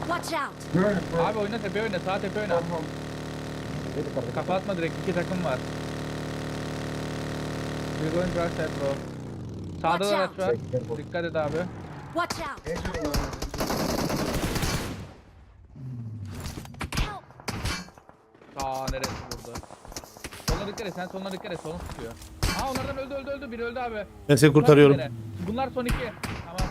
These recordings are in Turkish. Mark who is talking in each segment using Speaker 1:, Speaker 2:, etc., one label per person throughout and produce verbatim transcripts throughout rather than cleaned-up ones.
Speaker 1: Watch out.
Speaker 2: Böyle böyle.
Speaker 3: Abi oyna tepe oyna sağ tepe oyna.
Speaker 2: Tamam.
Speaker 3: Kafa atma direkt iki takım var. We're going right side bro. Sağda da araç var. Dikkat et abi.
Speaker 1: Watch out.
Speaker 2: En son olan.
Speaker 1: Help.
Speaker 3: Aa neresi burada? Soluna dikkat et sen soluna dikkat et solun tutuyor. Aa onlardan öldü öldü öldü biri öldü abi.
Speaker 4: Ben seni kurtarıyorum.
Speaker 3: Bunlar son iki. Tamam.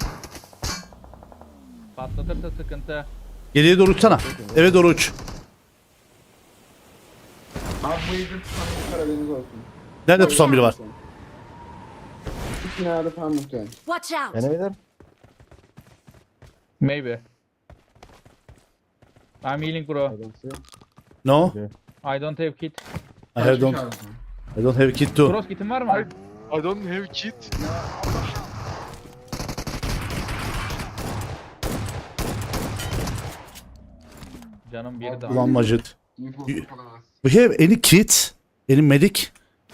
Speaker 3: Patlatırsa sıkıntı.
Speaker 4: Geriye doğru uçsana. Eve doğru uç.
Speaker 2: Abi bu yüzden tutan bir haberiniz olsun.
Speaker 4: Nerede tutan biri var?
Speaker 2: İki binada falan muhtemelen.
Speaker 1: Watch out.
Speaker 5: Enemy there?
Speaker 3: Maybe. I'm healing bro.
Speaker 5: I don't see.
Speaker 4: No.
Speaker 3: I don't have kit.
Speaker 4: I have don't. I don't have kit too.
Speaker 3: Cross kitin var mı?
Speaker 6: I don't have kit.
Speaker 3: Canım bir daha.
Speaker 4: Ulan Majid.
Speaker 2: İnfosu falan az.
Speaker 4: We have any kit? Any medic?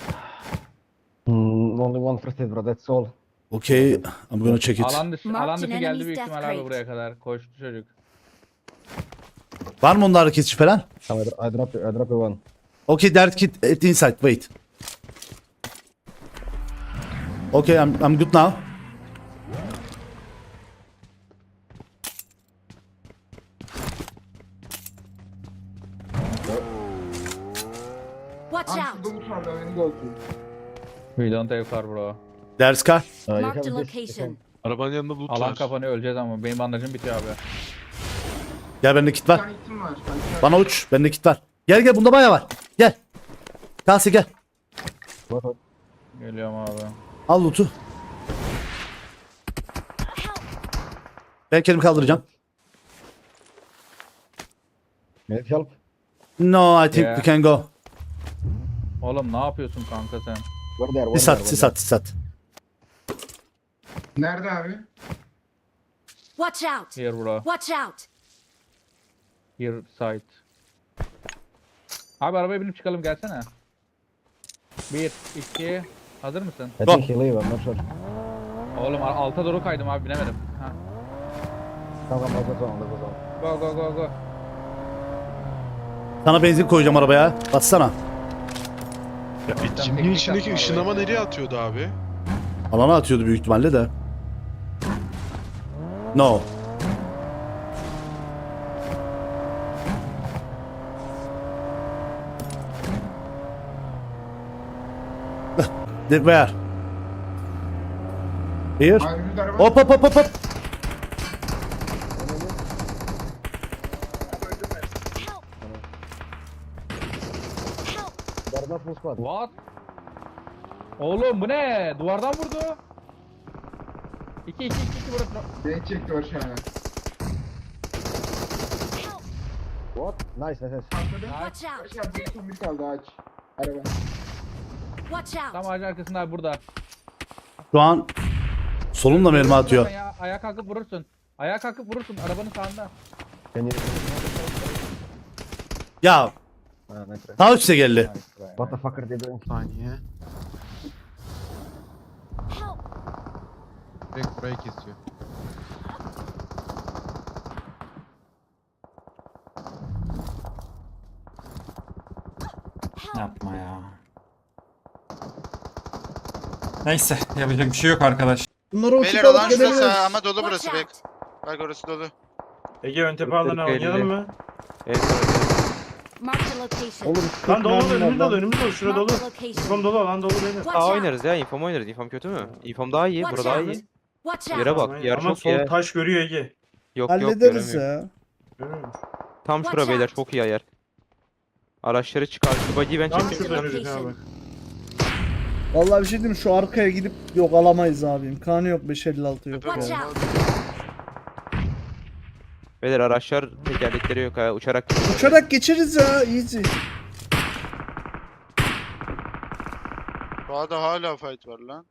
Speaker 5: Mm, only one first aid, bro. That's all.
Speaker 4: Okay, I'm gonna check it.
Speaker 3: Alan dışı,
Speaker 1: Marked
Speaker 3: alan dışı
Speaker 1: an
Speaker 3: geldi
Speaker 1: enemy's
Speaker 3: büyük
Speaker 1: death
Speaker 3: ihtimal abi
Speaker 1: crate.
Speaker 3: buraya kadar. Koştu çocuk.
Speaker 4: Var mı onda hareketçi falan?
Speaker 5: I, I drop you. I drop you one.
Speaker 4: Okay, that kit at the inside. Wait. Okay, I'm I'm good now.
Speaker 1: Watch
Speaker 2: Abi
Speaker 1: out.
Speaker 2: şurada bu tarla haberiniz olsun.
Speaker 3: We don't have car bro.
Speaker 4: There's car.
Speaker 5: Uh, you
Speaker 1: Marked a
Speaker 5: have this.
Speaker 1: location.
Speaker 6: Arabanın yanında loot
Speaker 3: Alan
Speaker 6: var.
Speaker 3: kapanıyor öleceğiz ama benim bandajım bitiyor abi.
Speaker 4: Gel bende kit
Speaker 2: Bir
Speaker 4: var.
Speaker 2: tane itim var. Ben
Speaker 4: Bana uç. Bende kit var. Gel gel bunda bayağı var. Gel. Kalsi gel.
Speaker 5: What, what?
Speaker 3: Geliyorum abi.
Speaker 4: Al loot'u.
Speaker 1: Help.
Speaker 4: Ben kendimi kaldıracağım.
Speaker 5: Need help?
Speaker 4: No, I think
Speaker 3: Yeah.
Speaker 4: we can go.
Speaker 3: Oğlum ne yapıyorsun kanka sen?
Speaker 5: We're there. We're
Speaker 4: Sis
Speaker 5: there.
Speaker 4: at,
Speaker 5: we're
Speaker 4: sis
Speaker 5: there.
Speaker 4: at, sis at.
Speaker 2: Nerede abi?
Speaker 1: Watch out.
Speaker 3: Here bro.
Speaker 1: Watch out.
Speaker 3: Here side. Abi arabaya binip çıkalım gelsene. Bir, iki. Hazır mısın?
Speaker 5: I
Speaker 4: Go.
Speaker 5: think he leave. I'm not sure.
Speaker 3: Oğlum a- alta doğru kaydım abi binemedim. Ha.
Speaker 5: Come, come, let's go zone. Let's go zone.
Speaker 3: Go go go go.
Speaker 4: Sana benzin koyacağım arabaya. Bassana.
Speaker 6: Ya etkinliğin içindeki ışınlama nereye atıyordu abi?
Speaker 4: Alana atıyordu büyük ihtimalle de. No. The where? Here?
Speaker 2: Abi bir araba.
Speaker 4: Hop hop hop hop hop.
Speaker 1: Help. Help.
Speaker 5: There's no full squad.
Speaker 3: What? Oğlum bu ne? Duvardan vurdu. İki iki iki iki burası.
Speaker 2: Beni çekti o aşağıya.
Speaker 1: Help.
Speaker 5: What? Nice, nice, nice.
Speaker 2: Atladım.
Speaker 1: Watch out.
Speaker 2: Aşağı bir son bir kaldı ağaç. Araba.
Speaker 1: Watch out.
Speaker 3: Tam ağacın arkasında abi burada.
Speaker 4: Şu an solumla mermi atıyor.
Speaker 3: Ya, ayağa kalkıp vurursun. Ayağa kalkıp vurursun arabanın sağında.
Speaker 5: Can you?
Speaker 4: Ya
Speaker 5: Ah, nice.
Speaker 4: daha üste geldi.
Speaker 5: What the fuck are they doing?
Speaker 6: Saniye.
Speaker 1: Help.
Speaker 6: Direkt burayı kesiyor.
Speaker 7: Yapma ya. Neyse yapacak bir şey yok arkadaş.
Speaker 8: Bunları uçup
Speaker 9: Beyler
Speaker 8: alıp
Speaker 9: alan şurası
Speaker 8: gidebiliriz.
Speaker 9: ama dolu
Speaker 1: Watch
Speaker 9: burası bek.
Speaker 1: out.
Speaker 9: Bak orası dolu.
Speaker 10: Ege ön tepe alanı oynayalım mı?
Speaker 1: Marked a location.
Speaker 8: Olur.
Speaker 10: Lan dolu
Speaker 8: mermim var
Speaker 10: önümüz dolu
Speaker 8: lan.
Speaker 10: önümüz dolu şura dolu.
Speaker 1: Marked a location.
Speaker 10: İnfom dolu alan dolu beyler.
Speaker 1: Watch
Speaker 11: Aa
Speaker 1: out.
Speaker 11: oynarız ya infom oynarız. Infom kötü mü? Infom daha iyi.
Speaker 1: Watch
Speaker 11: Bura daha
Speaker 1: out.
Speaker 11: iyi.
Speaker 1: Watch out.
Speaker 11: Yere bak.
Speaker 10: Aynen.
Speaker 11: Yer
Speaker 10: Ama
Speaker 11: çok
Speaker 10: sol
Speaker 11: iyi.
Speaker 10: taş görüyor Ege.
Speaker 11: Yok yok
Speaker 8: Hallederiz
Speaker 11: göremiyorum.
Speaker 8: ya.
Speaker 10: Görüyor musun?
Speaker 11: Tam
Speaker 1: Watch
Speaker 11: şura beyler
Speaker 1: out.
Speaker 11: çok iyi yer. Araçları çıkar. Şu buggy'i ben
Speaker 10: Tam
Speaker 11: çekeyim.
Speaker 10: şuradan
Speaker 1: Location.
Speaker 10: önümüz abi.
Speaker 8: Vallahi bir şey diyeyim mi? Şu arkaya gidip yok alamayız abim. Kanı yok beş elli altı yok
Speaker 1: Watch
Speaker 8: ya.
Speaker 1: out.
Speaker 11: Beyler araçlar tekerlekleri yok ha. Uçarak.
Speaker 8: Uçarak geçeriz ya easy.
Speaker 9: Sağda hala fight var lan.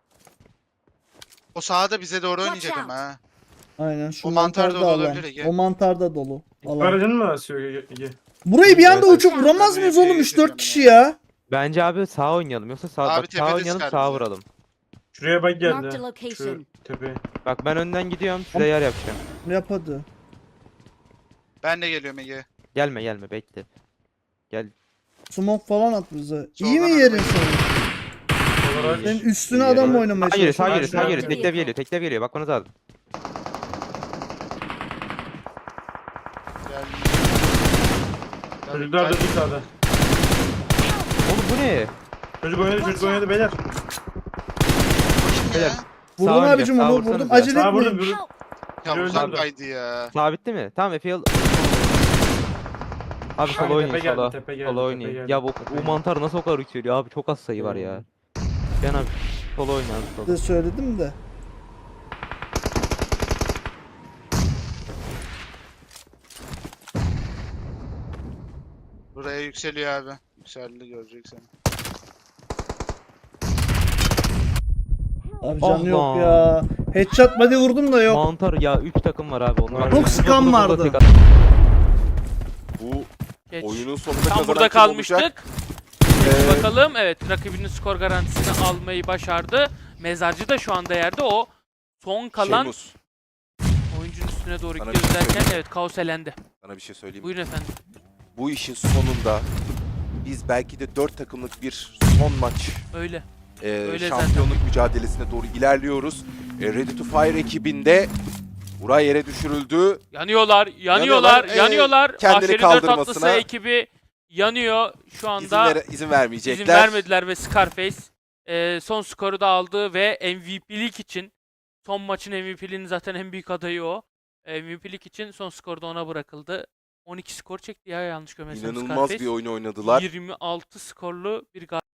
Speaker 9: O sağda bize doğru
Speaker 1: Watch
Speaker 9: oynayacak
Speaker 1: out.
Speaker 9: ama ha.
Speaker 8: Aynen şu
Speaker 9: O mantar
Speaker 8: mantar da
Speaker 9: dolu
Speaker 8: alan.
Speaker 9: olabilir Ege.
Speaker 8: O mantar da dolu. Alan.
Speaker 10: Aracın mı asıyor Ege? Ege?
Speaker 8: Burayı bir anda
Speaker 11: Evet,
Speaker 8: uçup
Speaker 1: evet.
Speaker 8: vuramaz mıyız
Speaker 9: Burayı
Speaker 8: oğlum üç dört
Speaker 9: geçeceğim
Speaker 8: kişi
Speaker 9: ya.
Speaker 8: ya?
Speaker 11: Bence abi sağ oynayalım. Yoksa sağ,
Speaker 9: Abi
Speaker 11: bak, sağ
Speaker 9: tepede
Speaker 11: oynayalım
Speaker 9: sıkar
Speaker 11: sağa
Speaker 9: bizi.
Speaker 11: vuralım.
Speaker 10: Şuraya bak
Speaker 1: Marked a
Speaker 10: geldi.
Speaker 1: location.
Speaker 10: Şu tepeye.
Speaker 11: Bak ben önden gidiyorum. Size yer yapacağım.
Speaker 8: Yap hadi.
Speaker 9: Ben de geliyorum Ege.
Speaker 11: Gelme gelme bekle. Gel.
Speaker 8: Smoke falan at bize. İyi mi
Speaker 9: Soldan
Speaker 8: yerin
Speaker 9: arabayı-
Speaker 8: senin?
Speaker 10: Olarak
Speaker 8: Senin üstüne adam oynamaya
Speaker 11: Sağ geliyor sağ
Speaker 8: çalışıyor.
Speaker 11: geliyor sağ geliyor.
Speaker 10: Karşıdan-
Speaker 11: Teklev geliyor teklev geliyor. Bakmanız lazım.
Speaker 9: Gel.
Speaker 10: çocuklar da bir sağda.
Speaker 11: Oğlum bu ne?
Speaker 10: Çocuk oynadı çocuk oynadı beyler.
Speaker 11: Beyler.
Speaker 8: Vurdum
Speaker 11: Sağ
Speaker 8: abicim
Speaker 11: önce, sağ
Speaker 8: onu
Speaker 11: vursanıza.
Speaker 8: vurdum. Acele
Speaker 10: Sağ vurdum
Speaker 8: etmeyin.
Speaker 10: vurdum.
Speaker 1: Help!
Speaker 9: Ya
Speaker 10: Yürü,
Speaker 9: uzaktaydı ya.
Speaker 11: Sabitti mi? Tamam Efe yıl. Abi solo
Speaker 10: Tepe
Speaker 11: oynuyor
Speaker 10: geldi,
Speaker 11: solo.
Speaker 10: tepe geldi,
Speaker 11: Solo
Speaker 10: tepe
Speaker 11: oynuyor.
Speaker 10: geldi,
Speaker 11: Ya bu,
Speaker 10: tepe
Speaker 11: bu
Speaker 10: geldi.
Speaker 11: mantar nasıl o kadar yükseliyor abi? Çok az sayı var ya. Ben abi solo oynuyor abi solo.
Speaker 8: De söyledim de.
Speaker 9: Buraya yükseliyor abi. Yükseldi göreceksin.
Speaker 8: Abi
Speaker 11: Ah
Speaker 8: canı yok
Speaker 11: lan.
Speaker 8: ya. Headshot body vurdum da yok.
Speaker 11: Mantar ya üç takım var abi onlar.
Speaker 8: Çok sıkan vardı.
Speaker 12: Bu
Speaker 13: Geç.
Speaker 12: oyunun sonunda
Speaker 13: Tam
Speaker 12: kazanan
Speaker 13: burada
Speaker 12: kim olacak?
Speaker 13: kalmıştık.
Speaker 12: Ee,
Speaker 13: Bakalım evet rakibinin skor garantisini almayı başardı. Mezarcı da şu anda yerde o son kalan
Speaker 12: Şeymus,
Speaker 13: oyuncunun üstüne doğru
Speaker 12: Sana
Speaker 13: gidiyoruz
Speaker 12: bir şey
Speaker 13: derken
Speaker 12: söyleyeyim.
Speaker 13: evet kaos elendi.
Speaker 12: sana bir şey söyleyeyim. mi?
Speaker 13: Buyurun efendim.
Speaker 12: Bu işin sonunda biz belki de dört takımlık bir son maç
Speaker 13: Öyle.
Speaker 12: e,
Speaker 13: Öyle
Speaker 12: şampiyonluk mücadelesine doğru ilerliyoruz. E, Ready to Fire ekibinde Uray yere düşürüldü.
Speaker 13: Yanıyorlar, yanıyorlar,
Speaker 12: Yanıyorlar, ee,
Speaker 13: yanıyorlar.
Speaker 12: kendini
Speaker 13: Ahşeri dört
Speaker 12: kaldırmasına-
Speaker 13: atlısı ekibi yanıyor şu
Speaker 12: İzin,
Speaker 13: anda.
Speaker 12: vere- izin vermeyecekler.
Speaker 13: İzin vermediler ve Scarface e, son skoru da aldı ve M V P'lik için son maçın M V P'liğinin zaten en büyük adayı o. M V P'lik için son skor da ona bırakıldı. on iki skor çekti ya yanlış görmezsem
Speaker 12: İnanılmaz
Speaker 13: Scarface.
Speaker 12: bir oyun oynadılar.
Speaker 13: yirmi altı skorlu bir galibiyet.